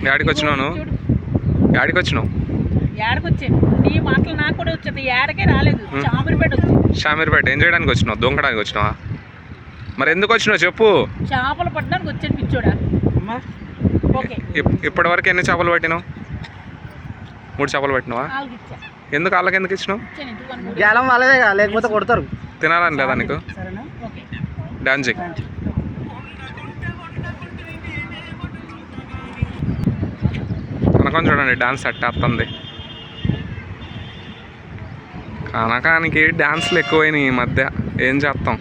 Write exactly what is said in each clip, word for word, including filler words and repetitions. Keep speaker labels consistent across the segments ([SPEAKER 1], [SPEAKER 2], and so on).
[SPEAKER 1] యాడికి వచ్చినావు నువ్వు? యాడికి వచ్చినావు?
[SPEAKER 2] ఏడకొచ్చాను. నీ మాటలు నాకు కూడా వచ్చేది. ఏడకే రాలేదు, షామీర్పేట వచ్చింది.
[SPEAKER 1] షామీర్పేట ఏం చేయడానికి వచ్చినావు? దొంగడానికి వచ్చినావా? మరి ఎందుకు వచ్చినావు చెప్పు.
[SPEAKER 2] చేపలు పట్టడానికి వచ్చాను పిచ్చోడా. ఓకే,
[SPEAKER 1] ఇప్పటి వరకు ఎన్ని చేపలు పట్టినావు? మూడు చేపలు పట్టినావా? ఎందుకు వాళ్ళకి ఎందుకు ఇచ్చినావు?
[SPEAKER 3] గేలం వాళ్ళదే కదా, లేకపోతే కొడతారు.
[SPEAKER 1] తినాలని లేదా నీకు? డాన్స్ చెయ్యి. కనకం చూడండి డాన్స్ సెట్ వస్తుంది. కనకానికి డాన్స్లు ఎక్కువైనాయి ఈ మధ్య. ఏం చేస్తాం,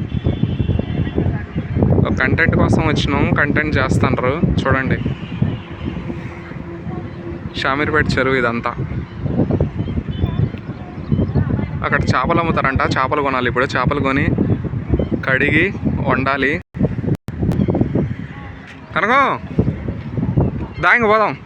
[SPEAKER 1] కంటెంట్ కోసం వచ్చినాం, కంటెంట్ చేస్తున్నారు చూడండి. షామీర్పేట చెరువు ఇదంతా. అక్కడ చేపలు అమ్ముతారంట, చేపలు కొనాలి. ఇప్పుడు చేపలు కొని కడిగి వండాలి. కనకం దానికి పోదాం.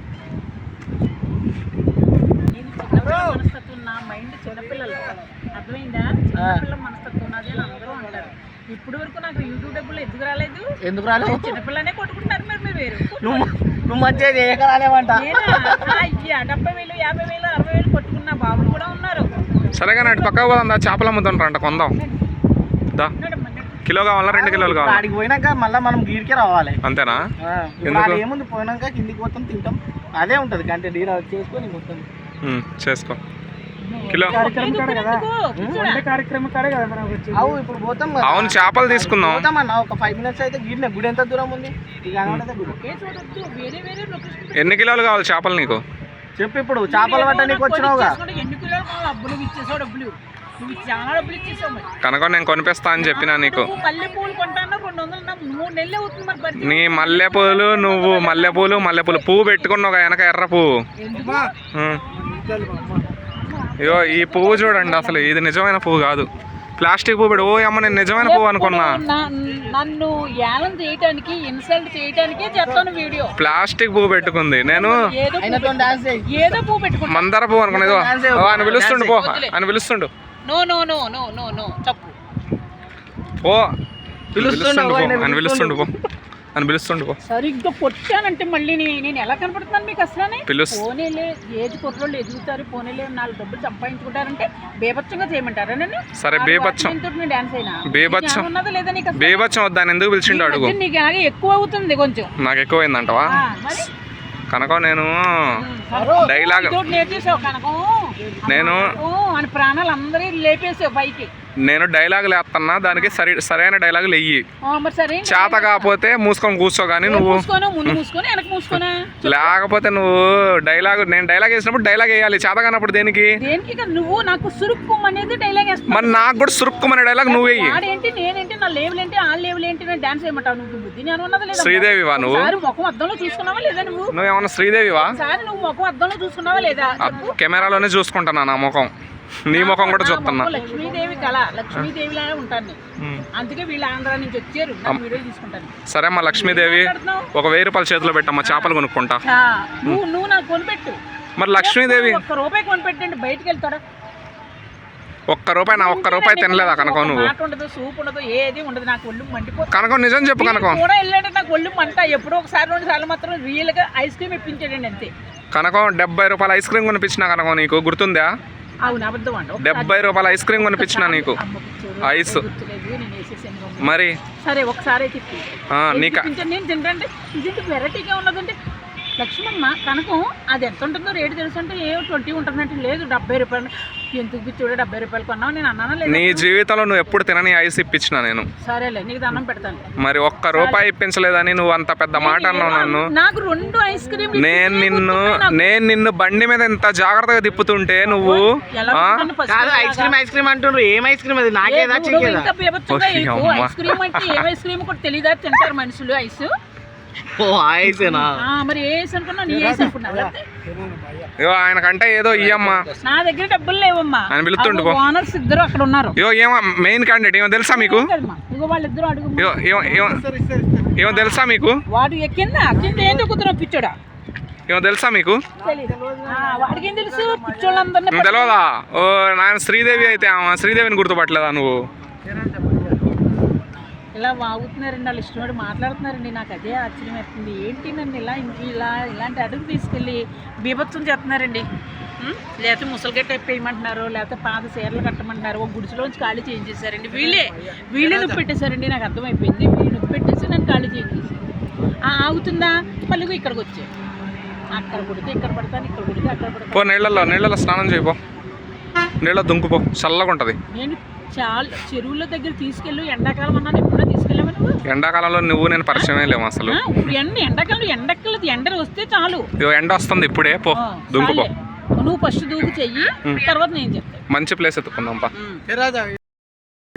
[SPEAKER 2] ఇప్పుడు వరకు నాకు యూట్యూబ్ డబ్బులు ఎందుకు రాలేదు?
[SPEAKER 3] ఎందుకు రాలేదు?
[SPEAKER 2] చిన్నపిల్లనే కొట్టుకుంటారు. మరి మీరు వేరు
[SPEAKER 3] నువ్వు నువ్వు మంచిగా చేయక రాలేవంట.
[SPEAKER 2] డెబ్బై వేలు యాభై వేలు అరవై వేలు కొట్టుకున్న బాబులు కూడా ఉన్నారు.
[SPEAKER 1] సరే కానీ అటు పక్క పోదాం. దా చేపలు అమ్ముతుంటారంట, కొందాం. దా కిలో కావాలా రెండు కిలోలు కావాలి?
[SPEAKER 3] అడిగి పోయినాక మళ్ళీ మనం గీడికే రావాలి.
[SPEAKER 1] అంతేనా?
[SPEAKER 3] ఏముంది, పోయినాక కిందికి పోతాం, తింటాం, అదే ఉంటుంది కంటెంట్. డీల్ చేసుకొని మొత్తం
[SPEAKER 1] చేసుకో. కిలో
[SPEAKER 3] ఇప్పుడు పోతాం.
[SPEAKER 1] అవును చేపలు తీసుకుందాం.
[SPEAKER 3] పోతామన్నా ఒక ఫైవ్ మినిట్స్ అయితే. గీడిన గుడి ఎంత దూరం ఉంది?
[SPEAKER 1] ఎన్ని కిలోలు కావాలి చేపలు నీకు
[SPEAKER 3] చెప్పు. ఇప్పుడు చేపలు పట్ట నీకు వచ్చినావుగా.
[SPEAKER 1] కనుక నేను కొనిపిస్తా అని చెప్పినా నీకు. నీ మల్లెపూలు, నువ్వు మల్లెపూలు మల్లెపూలు పువ్వు పెట్టుకున్నావు వెనక ఎర్ర పువ్వు. అయ్యో ఈ పువ్వు చూడండి, అసలు ఇది నిజమైన పువ్వు కాదు, ప్లాస్టిక్ పువ్వు పెడు. ఓ అమ్మ నేను నిజమైన పువ్వు అనుకున్నా.
[SPEAKER 2] నన్ను యాలం చేయడానికి, ఇన్సల్ట్ చేయడానికి చెప్తాను వీడియో.
[SPEAKER 1] ప్లాస్టిక్ పువ్వు పెట్టుకుంది. నేను
[SPEAKER 2] ఏదో పువ్వు పెట్టుకున్నా,
[SPEAKER 1] మందార పువ్వు అనుకున్నా. అని పిలుస్తుండు పో, అని పిలుస్తుండు.
[SPEAKER 2] No no no no no no తప్పు.
[SPEAKER 1] పో పిలుస్తుండు పో, అని పిలుస్తుండు పో, అని పిలుస్తుండు పో.
[SPEAKER 2] సరిగ్గా కొట్టానంటే మళ్ళీ నేను ఎలా కనపడుతున్నాను మీకు అసలు? పోనీలే, ఏది కుర్రోళ్ళు ఎదుగుతారు, పోనీలే నాలుగు డబ్బులు సంపాదించుకుంటారంటే బేబచ్చంగా చేయమంటారా నన్ను?
[SPEAKER 1] సరే బేబచ్చం,
[SPEAKER 2] డాన్స్ అయినా
[SPEAKER 1] బేబచ్చం
[SPEAKER 2] ఉన్నదా లేదా నీకు?
[SPEAKER 1] బేబచ్చం వద్దాని ఎందుకు పిలిచిండు అడుగు.
[SPEAKER 2] నీకు ఎక్కువ అవుతుంది కొంచెం.
[SPEAKER 1] నాకు ఎక్కువైందంటవా? కనుక నేను డైలాగ్ నేను
[SPEAKER 2] అని ప్రాణాలు అందరూ లేపేసావు పైకి.
[SPEAKER 1] నేను డైలాగులు వేస్తున్నా, దానికి సరి సరైన డైలాగులు వెయ్యి. చేత కాకపోతే మూసుకొని కూర్చో. కానీ నువ్వు లేకపోతే నువ్వు డైలాగ్, నేను డైలాగ్ వేసినప్పుడు డైలాగ్ వేయాలి. చేత కానప్పుడు దేనికి?
[SPEAKER 2] నువ్వు నాకు సురుక్కు అనేది డైలాగ్ వేస్తావు.
[SPEAKER 1] మరి నాకు కూడా సురుక్కుమనే డైలాగ్ నువ్వు వెయ్యి.
[SPEAKER 2] ఏంటి నేనేంటి, నా లేవులు ఏంటి, ఆ లేవులు ఏంటి, నేను డాన్స్ చేయమంటావు? నువ్వు బుద్ధి నేను ఉన్నది లేదా?
[SPEAKER 1] శ్రీదేవివా నువ్వు?
[SPEAKER 2] ముఖం అద్దంలో చూసుకున్నావా లేదా? నువ్వు
[SPEAKER 1] నువ్వేమన్నా శ్రీదేవివా?
[SPEAKER 2] సారి నువ్వు ముఖం అద్దంలో చూసుకున్నావా లేదా?
[SPEAKER 1] కెమెరాలోనే చూసుకుంటున్నా నా ముఖం, నీ ముఖం కూడా చూస్తున్నా.
[SPEAKER 2] లక్ష్మీదేవి కళ, లక్ష్మీదేవి లాగా ఉంటాను. అందుకే వీళ్ళు ఆంధ్ర నుంచి వచ్చారు, వీడియో తీసుకుంటాను.
[SPEAKER 1] సరే అమ్మా లక్ష్మీదేవి, ఒక వెయ్యి రూపాయల చేతిలో పెట్టమ్మా, చేపలు కొనుక్కుంటా.
[SPEAKER 2] నువ్వు నువ్వు నాకు కొనిపెట్టు.
[SPEAKER 1] మరి లక్ష్మీదేవి
[SPEAKER 2] ఒక్క రూపాయి కొనిపెట్టండి, బయటకు వెళ్తాడా?
[SPEAKER 1] ఒక్క రూపాయి, నా ఒక్క రూపాయి తినలేదా కనకం? నువ్వు
[SPEAKER 2] ఉండదు, సూప్ ఉండదు, ఏది ఉండదు, నాకు ఒళ్ళు మండిపోతుంది.
[SPEAKER 1] కనకం నిజం చెప్పు. కనకం
[SPEAKER 2] కూడా వెళ్ళాడు, నాకు ఒళ్ళు మంట. ఎప్పుడో ఒకసారి రెండు సార్లు మాత్రం రియల్ గా ఐస్ క్రీమ్ ఇప్పించాడండి అంతే.
[SPEAKER 1] కనకం డెబ్బై రూపాయల ఐస్ క్రీమ్ కొనిపించిన కనకం, నీకు గుర్తుందా? డెబ్బై రూపాయల ఐస్ క్రీమ్ కొనిపించిన నీకు, ఐస్. మరి
[SPEAKER 2] సరే ఒకసారి
[SPEAKER 1] నీకు
[SPEAKER 2] నేను తింటే ఇది వెరైటీగా ఉన్నదంటే లక్ష్మమ్మ కనకం అది ఎంత ఉంటుందో రేటు తెలుసు అంటే ఏ ట్వంటీ ఉంటుందంటే లేదు డెబ్బై రూపాయలు. ఎందుకు పిచ్చోడే డెబ్బై రూపాయలు కొన్నావు? నేను అన్నానా లేదు?
[SPEAKER 1] నీ జీవితంలో నువ్వు ఎప్పుడు తినని ఐస్ ఇప్పించిన నేను.
[SPEAKER 2] సరేలే నీకు దండం పెడతాను.
[SPEAKER 1] మరి ఒక్క రూపాయి ఇప్పించలేదని నువ్వు అంత పెద్ద మాట అన్నావు నన్ను.
[SPEAKER 2] నాకు రెండు ఐస్ క్రీమ్.
[SPEAKER 1] నేను నిన్ను నేను నిన్ను బండి మీద ఎంత జాగ్రత్తగా తిప్పుతుంటే నువ్వు
[SPEAKER 3] ఐస్ క్రీమ్ ఐస్ క్రీమ్ అంటున్నారు. ఏం ఐస్ క్రీమ్ అది? నాకేదా
[SPEAKER 2] ఐస్ క్రీమ్ అంటే ఏం ఐస్ క్రీమ్ కూడా తెలియదా? తింటారు మనుషులు ఐస్. మరి ఏ ఐస్ అనుకున్నావు? నీ ఐస్ అనుకున్నావు?
[SPEAKER 1] ఆయనకంటే ఏదో ఇయ్యమ్మా,
[SPEAKER 2] నా దగ్గర డబ్బులు లేవమ్మా
[SPEAKER 1] అని పిలుతుండు.
[SPEAKER 2] ఓనర్స్ ఇద్దరు అక్కడ ఉన్నారు.
[SPEAKER 1] ఏమో మెయిన్ క్యాండిడేట్ ఏమో తెలుసా మీకు?
[SPEAKER 2] వాళ్ళిద్దరు అడుగు.
[SPEAKER 1] ఏమో తెలుసా మీకు?
[SPEAKER 2] వాడు ఎక్కిందా కింద ఏం దొక్కుతున్నావు పిచ్చోడా?
[SPEAKER 1] ఏమో తెలుసా మీకు?
[SPEAKER 2] వాడికి ఏం తెలుసు? పిచ్చోళ్ళందరినీ
[SPEAKER 1] తెలియదా? ఓ నాయన శ్రీదేవి అయితే శ్రీదేవిని గుర్తుపట్టలేదా నువ్వు?
[SPEAKER 2] ఇలా వాగుతున్నారండి, వాళ్ళు ఇష్టపడి మాట్లాడుతున్నారండి. నాకు అదే ఆశ్చర్యం అవుతుంది. ఏంటి నన్ను ఇలా ఇలా ఇలాంటి అడుగు తీసుకెళ్ళి బీభత్సం చేస్తున్నారండి. ఉం? లేకపోతే ముసలిగట్ట వేయమంటున్నారు, లేకపోతే పాత చీరలు కట్టమంటున్నారు, ఒక గుడిసెలోంచి ఖాళీ చేంజ్ చేశారండి. వీళ్ళే వీళ్ళే నొప్పి పెట్టేశారండి. నాకు అర్థమైపోయింది. వీళ్ళు నొప్పి పెట్టేసి నన్ను ఖాళీ చేంజ్ చేశారు. ఆగుతుందా మళ్ళీ ఇక్కడికి వచ్చాయి. అక్కడ కొడితే ఇక్కడ పడతాను, ఇక్కడ కొడితే అక్కడ
[SPEAKER 1] పో
[SPEAKER 2] పడతాను.
[SPEAKER 1] నీళ్ళల్లో నీళ్ళలో స్నానం చేయపో, నీళ్ళ దుంకుపో, చల్లగా ఉంటుంది.
[SPEAKER 2] నేను చాలా చెరువుల దగ్గర తీసుకెళ్ళు, ఎండాకాలం అన్నాను, ఎప్పుడో తీసుకెళ్ళావా నువ్వు?
[SPEAKER 1] ఎండాకాలంలో నువ్వు నేను పరిచయమే లేవు అసలు.
[SPEAKER 2] ఆ, ఇప్పుడు ఎండ ఎండాకాలం ఎండక్కలది, ఎండ వస్తే చాలు.
[SPEAKER 1] ఇగో ఎండ వస్తుంది ఇప్పుడే, పో
[SPEAKER 2] ఆ,
[SPEAKER 1] దుంకుపో.
[SPEAKER 2] చాలే. నువ్వు ఫస్ట్ దూకు చెయ్యి, తర్వాత నేను చెప్తాను.
[SPEAKER 1] మంచి ప్లేస్ ఎత్తుకుందాం పా.
[SPEAKER 3] ఏ రాజా